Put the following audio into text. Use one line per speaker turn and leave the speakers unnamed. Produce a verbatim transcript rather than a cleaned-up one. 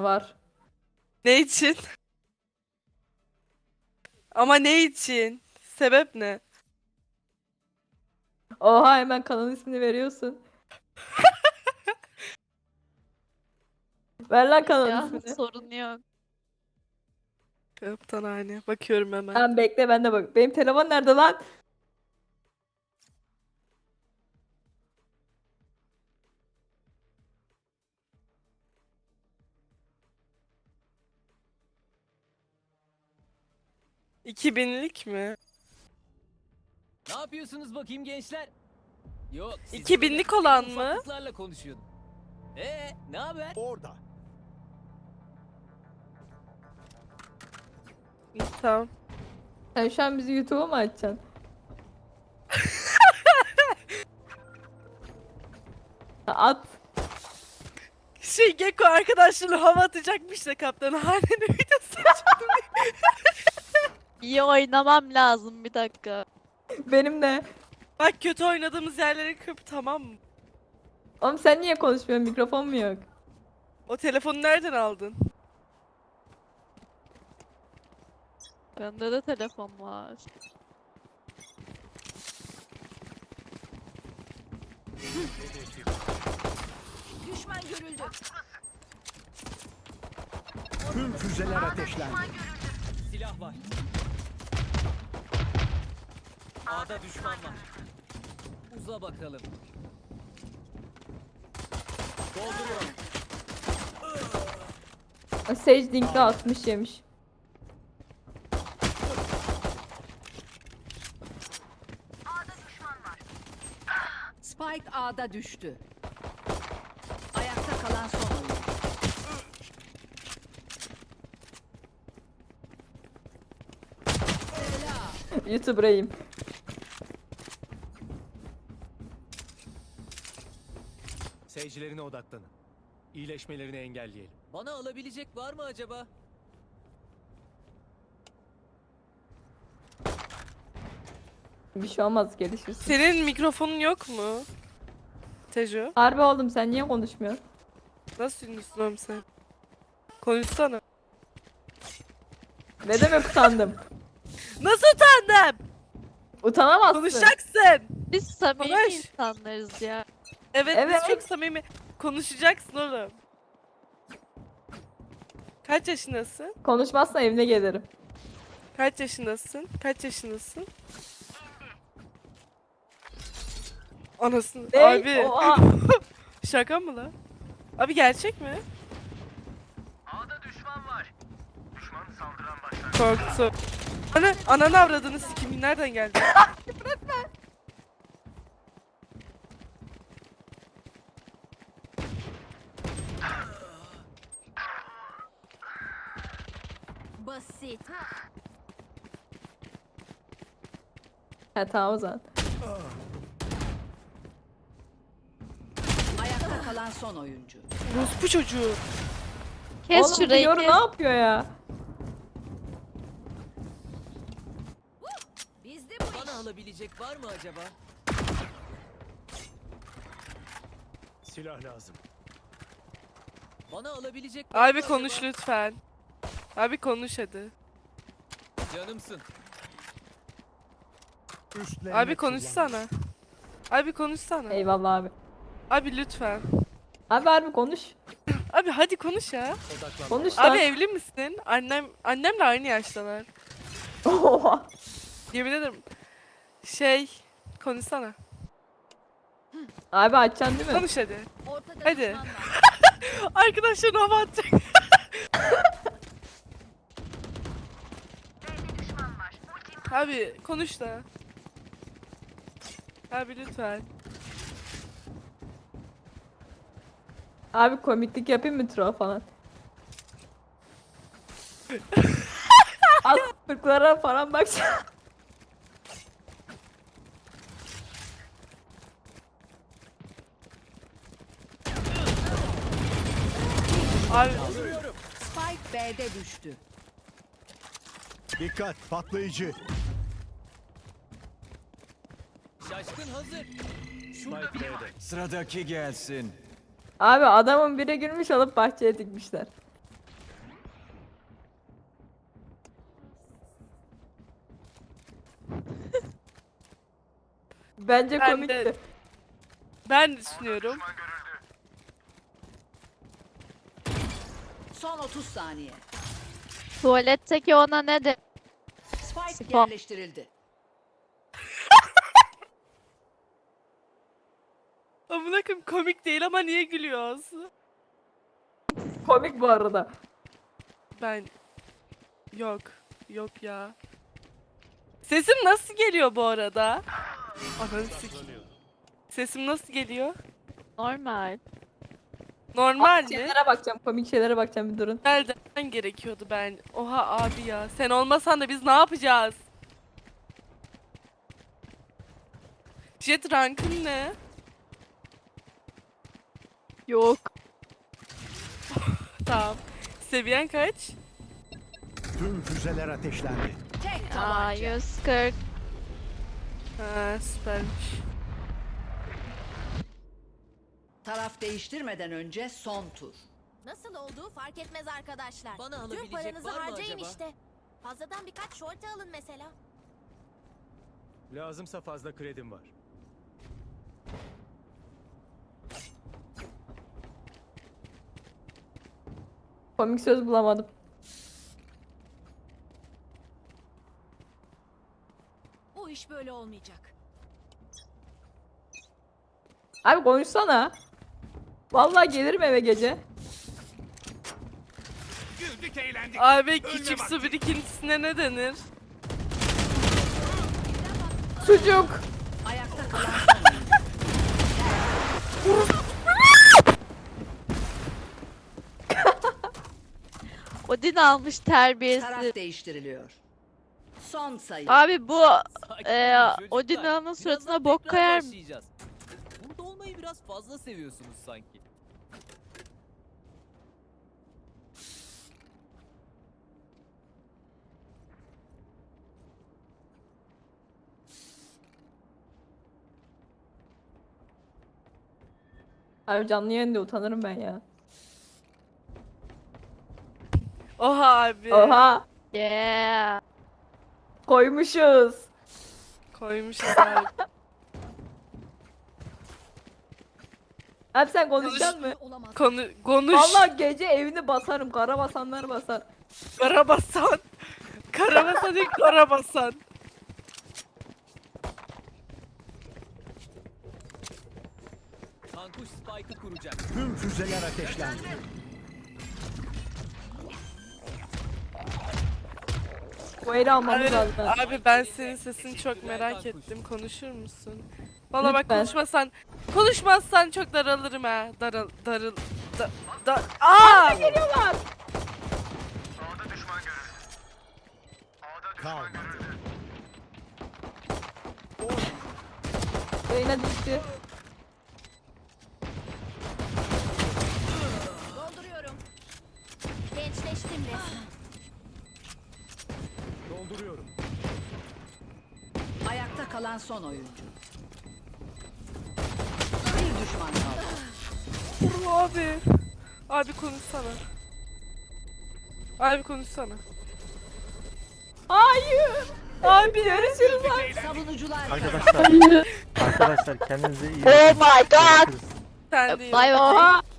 Var.
Ne için? Ama ne için? Sebep ne?
Oha, hemen kanalın ismini veriyorsun. Ver lan kanalın
Ya
ismini.
sorun yok.
Kaptan hani. Bakıyorum hemen.
Tamam, bekle, ben de bak. Benim telefon nerede lan?
iki binlik mi?
Ne yapıyorsunuz bakayım gençler? Yok, siz
iki
böyle
binlik olan
en
mı?
ufaklıklarla konuşuyordum. Ee, ne haber?
Orada.
İyi, tamam.
Sen şu an bizi YouTube'a mı açacaksın? At.
Şey Gekko arkadaşlarına hava atacakmış da kaptan hanenin videosu çıktı.
İyi oynamam lazım bir dakika.
Benim de.
Bak kötü oynadığımız yerleri kıp, tamam mı?
Oğlum sen niye konuşmuyorsun? Mikrofon mu yok?
O telefonu nereden aldın?
Bende de telefon var.
Düşman görüldü.
Tüm füzeler ateşlendi.
Silah var. A'da düşman var. Uza bakalım. Dolduruyorum.
Sage Dink'de altmış yemiş.
Spike A'da düştü. Ayakta kalan son oyuncu.
YouTuber'ayım.
Seyircilerine odaklanın. İyileşmelerini engelleyelim.
Bana alabilecek var mı acaba?
Bir şey olmaz, gelişirsin.
Senin mikrofonun yok mu? Tejo.
Harbi oğlum, sen niye konuşmuyorsun?
Nasıl ünlüsün oğlum sen? Konuşsana.
Ne demek utandım?
Nasıl utandım?
Utanamazsın.
Konuşacaksın.
Biz samimi
Konuş.
insanlarız ya.
Evet,
Evet.
biz çok samimi. Konuşacaksın oğlum. Kaç yaşındasın?
Konuşmazsan evine gelirim.
Kaç yaşındasın? Kaç yaşındasın? Anasını.
Ne?
Abi.
Oha.
Şaka mı lan? Abi gerçek mi?
A'da düşman var. Düşman saldıran başlar.
Korktu. Ana, ananı avradını sikimi nereden geldi?
Basit.
Ha tamam o zaman.
Ayakta kalan son oyuncu.
Rus bu çocuğu.
Kes
Oğlum
şurayı
Fiora
kes.
ne yapıyor ya?
Bizde bu
Bana alabilecek var mı acaba?
Silah lazım.
Bana alabilecek var
Abi
mı
konuş
acaba?
lütfen. Abi konuş hadi.
Canımsın.
Üstlerine
Abi konuşsana. Abi konuşsana.
Eyvallah abi.
Abi lütfen.
Abi harbi konuş.
Abi hadi konuş ya.
Odaklan.
Konuş lan.
Abi evli misin? Annem annemle aynı yaştalar.
Oha.
Yemin ederim. Şey, konuşsana.
Abi açacaksın değil mi?
Konuş hadi.
ortada
Hadi.
düşman var.
Arkadaşların hava atacak. Abi konuş da. Abi lütfen.
Abi komiklik yapayım mı troll falan? Az fırklara falan bak.
Abi
Spike B'de düştü.
Dikkat, patlayıcı.
Şaşkın hazır.
Spike B'de.
Sıradaki gelsin.
Abi adamın biri girmiş alıp bahçeye dikmişler. Bence
Ben
komikti.
de- Ben düşünüyorum.
Son otuz saniye.
Tuvaletteki ona ne de?
Spike
Spike.
yerleştirildi.
Amına koyayım komik değil ama niye gülüyoruz?
Komik bu arada.
Ben... Yok. Yok ya. Sesim nasıl geliyor bu arada? Ananı sikeyim. Sesim nasıl geliyor?
Normal.
Normal mi?
Şeylere bakacağım, komik şeylere bakacağım bir durun.
Nereden gerekiyordu ben? Oha abi ya. Sen olmasan da biz ne yapacağız? Jet rankın ne?
Yok.
Tamam. Seviyen kaç?
Tüm füzeler ateşlendi.
Tek
Aa,
tabanca.
yüz kırk.
Ha süpermiş.
Taraf değiştirmeden önce son tur.
Nasıl olduğu fark etmez arkadaşlar.
Bana
Tüm
alabilecek
paranızı
var mı
harcayın
acaba?
işte. Fazladan birkaç şorte alın mesela.
Lazımsa fazla kredim var.
Komik söz bulamadım.
Bu iş böyle olmayacak.
Abi konuşsana. Vallahi gelirim eve gece.
Güldük eğlendik.
Abi küçük su birikintisine ne denir?
Sucuk.
Ayakta kalan son oyuncu.
Odin almış terbiyesiz.
Taraf değiştiriliyor. Son sayı.
Abi bu
Sakin
Ee,
olun çocuklar.
Odin'in
Birazdan
suratına bok
tekrar
koyar mı?
başlayacağız. Burada olmayı biraz fazla seviyorsunuz sanki.
Abi canlı yayında utanırım ben ya.
Oha abi.
Oha.
Yeah.
Koymuşuz.
Koymuşuz abi.
Abi sen konuşacak mı?
Olamaz.
Konu, konuş.
Vallahi gece evini basarım. Kara basanlar basar.
Karabasan. Karabasan değil Karabasan.
Kankuş Spike'ı kuracak.
Tüm füzeler ateşlendi.
Bu eli almamız
Abi,
lazım.
abi ben senin sesini çok merak ettim. Konuşur musun? Valla bak
Lütfen.
konuşmasan konuşmazsan çok daralırım ha. Daral darıl da, da Aa!
Geliyorlar.
A'da düşman görüldü. A'da düşman
Kalmadı.
görüldü.
Yayına düştü.
Dolduruyorum. Gençleştim resmen.
Dolduruyorum.
Ayakta kalan son oyuncu. Bir düşman kaldı.
Vurma abi. Abi konuşsana. Abi konuşsana.
Hayır.
Abi
Görüşürüz abi.
Savunucular
Arkadaşlar, arkadaşlar kendinize iyi bakın.
Oh my god.
sen değil.
Bay bay.
Oha.